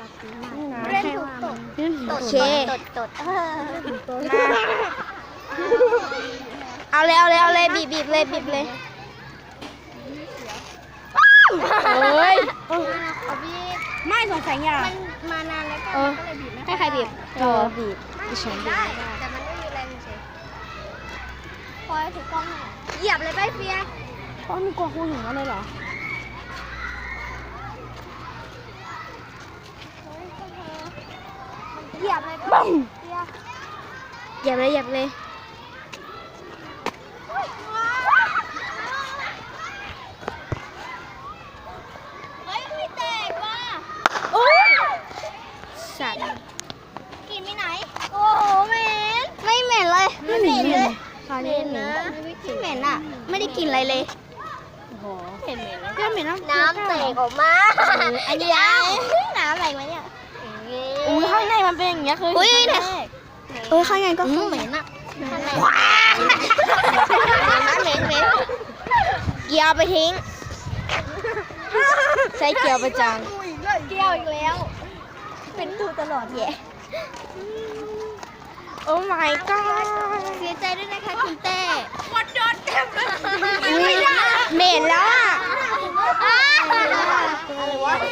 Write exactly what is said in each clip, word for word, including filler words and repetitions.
เล่นถูกตดตดเชตดตดเอาเลยเอาเลยเอาเลยบีบบีบเลยบีบเลยโอ้ยไม่สงสัยอย่ามันมานานแล้วก็เลยบีบให้ใครบีบเออบีบดิฉันบีบแต่มันไม่มีแรงเฉยพอถือกล้องเหยียบเลยไปเฟียอ๋อมีกลัวครูถึงแล้วเลยเหรอเหยียบเลยก็เหยียบเลยเหยียบเลยเฮ้ยไม่แตกว่ะโอ้ยสัตว์กินไม่ไหนโอ้โหเหม็นไม่เหม็นเลยไม่เหม็นเลยเหม็นนะไม่เหม็นอ่ะไม่ได้กินอะไรเลยโอ้โหเหม็นเหม็นก็เหม็นน้ำแตกออกมาอันนี้น้ำอะไรวะเนี่ยอุ้ยข้างในมันเป็นอย่างเงี้ยคืออุ้ยเนี่ยเออข้างในก็คือเหม็นอ่ะข้างในเหม็นเหม็นเกี่ยวไปทิ้งใช้เกี่ยวประจังเกี่ยวอีกแล้วเป็นตูตลอดแย่โอ้ my god เสียใจด้วยนะคะคุณเต้หมดโดนเต็มเลยเหม็นแล้วอ่ะอะไรวะ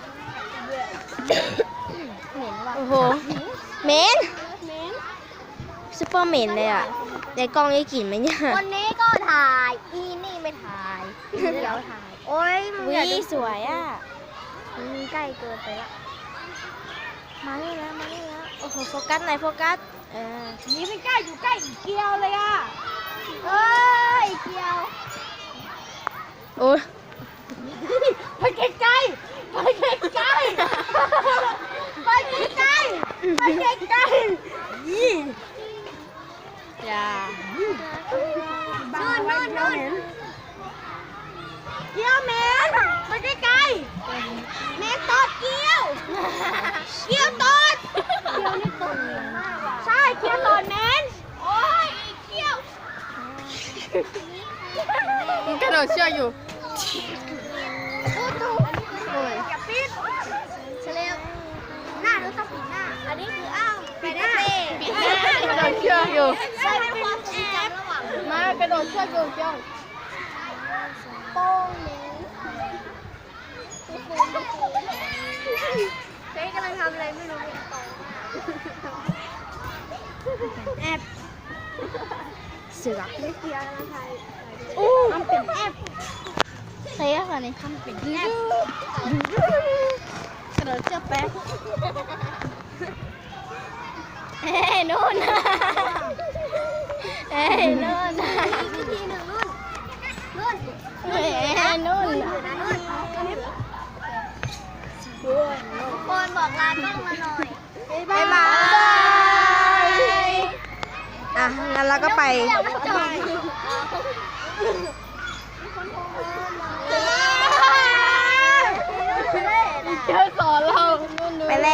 เหม็นว่ะโอ้โหเหม็นซุปเปอร์เหม็นเลยอ่ะในกล้องได้กลิ่นไหมเนี่ยวันนี้ก็ถ่ายอีนี่ไม่ถ่ายเดี๋ยวถ่ายโอ้ยวิสวยอ่ะใกล้เกินไปละมานี่แล้วมานี่แล้วโอ้โหโฟกัสหน่อยโฟกัสเออนี่ไม่ใกล้อยู่ใกล้อีกเกียวเลยอ่ะเอ้ยเกียวโอ้ยไปไกลไกลไปไกลไกลไปไกลไกลไปไกลไกลยี่อย่านู่นนู่นนู่นเกียวเมนไปไกลไกลเมนตดเกียวเกียวตดเกียวนี่ตดใช่เกียวตดเมนโอ้ยเกียวมันกระโดดเชือกอยู่ตู้ตู้โอ้ยอย่าปิดเฉลียวหน้าดูต้องปิดหน้าอันนี้คืออ้าวปิดหน้าปิดหน้ากระโดดเชือกอยู่ใช่เป็นความทรงจำระหว่างมากระโดดเชือกอยู่เจ้าโป้งเน้นเจ๊กำลังทำอะไรไม่รู้แอบเสือกไม่เกี่ยวนะไทยอู้ทำเป็นแอบเฮ้ยอะไรนี่ทำเป็นแอบกระโดดเชือกแป๊บเอ้ยนู่นเอ้ยนู่นวิธีหนึ่งนู่นนู่นเอ้ยนู่นคนบอกลากล้องมาหน่อยบ๊ายบายอ่ะงั้นเราก็ไป